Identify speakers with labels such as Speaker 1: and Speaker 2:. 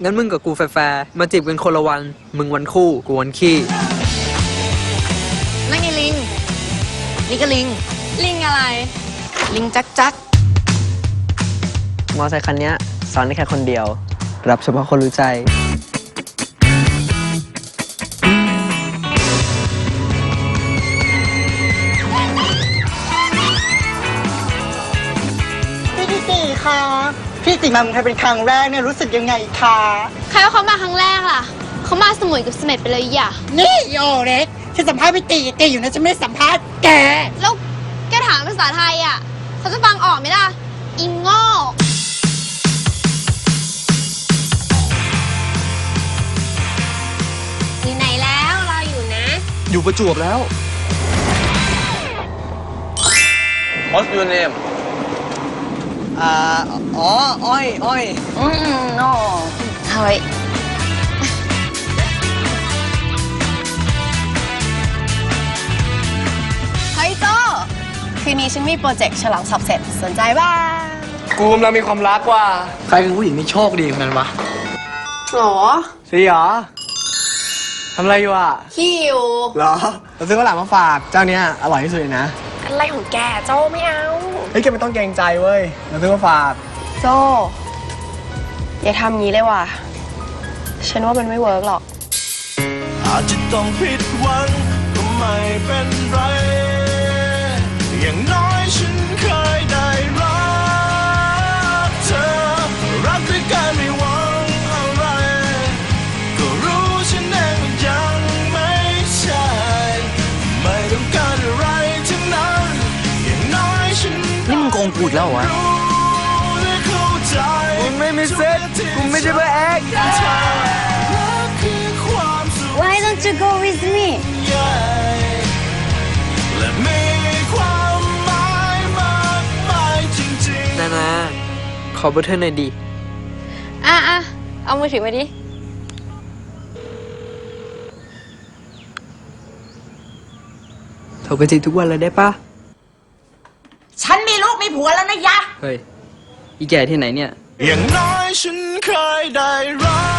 Speaker 1: งั้นมึงกับกูแฟร์มาจีบกันคนละวันมึงวันคู่กูวันขี้
Speaker 2: นั่นไงลิงนี่ก็ลิง
Speaker 3: ลิงอะไร
Speaker 2: ลิงจักจัก
Speaker 1: มอไซค์คันนี้สอนได้แค่คนเดียวรับเฉพาะคนรู้ใจ
Speaker 4: พี่ติคะพี่ติมาเมืองไทยเป็นครั้งแรกเนี่ยรู้สึกยังไงคะ
Speaker 3: ใครว่าเขามาครั้งแรกล่ะเขามาสมุยกับเสม็ดไปเลยอย่า
Speaker 4: นี่โยเล็กฉันสัมภาษณ์พี่ติอยู่นะฉันไม่ได้สัมภาษณ์แก
Speaker 3: แล้วแกถามภาษาไทยอ่ะเขาจะฟังออกไหมล่ะอิงโง่อยู่ไหนแล้วรออยู่นะ
Speaker 1: อยู่ประจวบแล้ว
Speaker 5: What's your name
Speaker 1: อ๋ออ้อย
Speaker 2: โน่เฮ้ยเฮ้ยโจคืนนี้ฉันมีโปรเจกต์ฉลองสอบเสร็จสนใจบ้าง
Speaker 5: กูกำลังมีความรักว่ะ
Speaker 1: ใครคือผู้หญิงที่โชคดีคนนั้นวะ
Speaker 2: หรอ
Speaker 1: สิเหรอทำอะไรอยู่อ่ะ
Speaker 2: หิว
Speaker 1: เหรอเราซื้อข้าวหลามมาฝากเจ้าเนี้ยอร่อยที่สุดเลยนะ
Speaker 2: อะไรของแกโจไม่เอา
Speaker 1: เฮ้ยแกไม่ต้องเกรงใจเว้ยเราซื้อมาฝาก
Speaker 2: โจอย่าทำงี้เลยว่ะฉันว่ามันไม่เวิร์กหรอก
Speaker 6: อาจจะต้องผิดหวังก็ไม่เป็นไรอย่างน้อยฉันเคยได้รักเธอรักด้วยกันไม่หวังอะไรก็รู้ฉันเองว่ายังไม่ใช่ไม่ต้องการอะไรทั้งนั้นอย่างน้อยฉัน
Speaker 1: นี่มึงโกงกูอีกแล้วเหรอวะมึงไม่มีเซ็ตกูไม่ใช่เบอร์แอค
Speaker 3: Why don't you go with me
Speaker 1: นาขอเบอร์เธอหน่อยดิ
Speaker 3: เอามือถือมาดิ
Speaker 1: โทรไปจีบทุกวันเลยได้ปะ
Speaker 4: ฉันมีลูกมีผัวแล้วนะยะ
Speaker 1: เฮ้ยอีแก่ที่ไหนเนี่ย
Speaker 6: อย่างน้อยฉันเคยได้รัก